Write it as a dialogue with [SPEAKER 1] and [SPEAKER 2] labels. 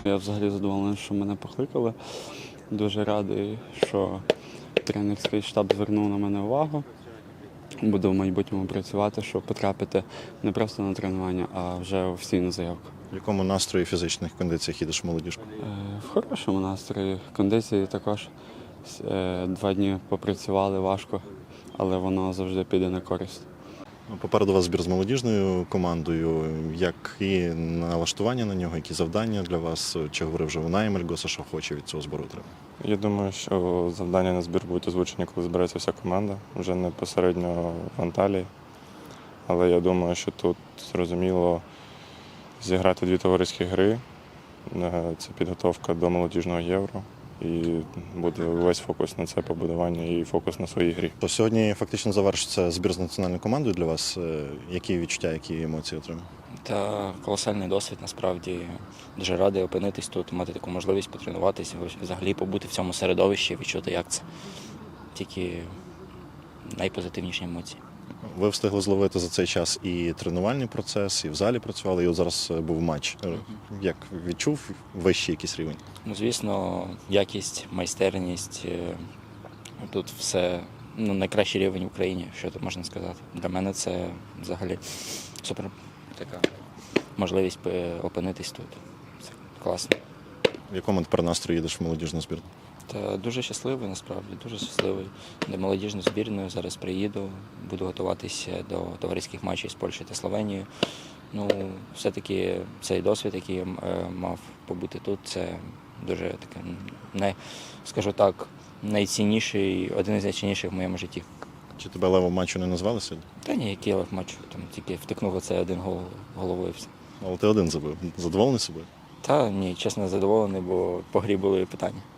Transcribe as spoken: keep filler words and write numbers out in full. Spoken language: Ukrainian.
[SPEAKER 1] Я взагалі задоволений, що мене покликали. Дуже радий, що тренерський штаб звернув на мене увагу. Буду в майбутньому працювати, щоб потрапити не просто на тренування, а вже офіційну заявку.
[SPEAKER 2] В якому настрої фізичних кондиціях їдеш в молодіжку?
[SPEAKER 1] Е, В хорошому настрої. Кондиції також. Е, Два дні попрацювали важко, але воно завжди піде на користь.
[SPEAKER 2] Ну, Попереду вас збір з молодіжною командою. Які налаштування на нього, які завдання для вас? Чи говорив вже Унай Мельгоса, що хоче від цього збору отримати?
[SPEAKER 3] Я думаю, що завдання на збір будуть озвучені, коли збереться вся команда, вже не посередньо в Анталії. Але я думаю, що тут зрозуміло зіграти дві товариські гри. Це підготовка до молодіжного євро. І буде весь фокус на це побудування і фокус на своїй грі.
[SPEAKER 2] То сьогодні фактично завершиться збір з національною командою для вас. Які відчуття, які емоції отримали?
[SPEAKER 4] Та колосальний досвід, насправді. Дуже радий опинитись тут, мати таку можливість потренуватися, взагалі побути в цьому середовищі, відчути, як це. Тільки найпозитивніші емоції.
[SPEAKER 2] Ви встигли зловити за цей час і тренувальний процес, і в залі працювали, і от зараз був матч. Як відчув вищий якийсь рівень?
[SPEAKER 4] Ну, звісно, якість, майстерність, тут все, ну, найкращий рівень в Україні, що тут можна сказати. Для мене це взагалі супер така можливість опинитись тут. Це класно.
[SPEAKER 2] В якому тепер настрої їдеш в молодіжну збірну?
[SPEAKER 4] Та дуже щасливий, насправді, дуже щасливий. До молодіжної збірної зараз приїду, буду готуватися до товариських матчів з Польщею та Словенією. Ну, все-таки цей досвід, який я мав побути тут, це дуже таке, не, скажу так, найцінніший, один із найцінніших в моєму житті.
[SPEAKER 2] Чи тебе левом матчу не назвали сьогодні?
[SPEAKER 4] Та ні, який лев матчу, там тільки втикнув оце один гол головою і все.
[SPEAKER 2] Але ти один забив. Задоволений собою?
[SPEAKER 4] Та ні, чесно, задоволений, бо по грі були питання.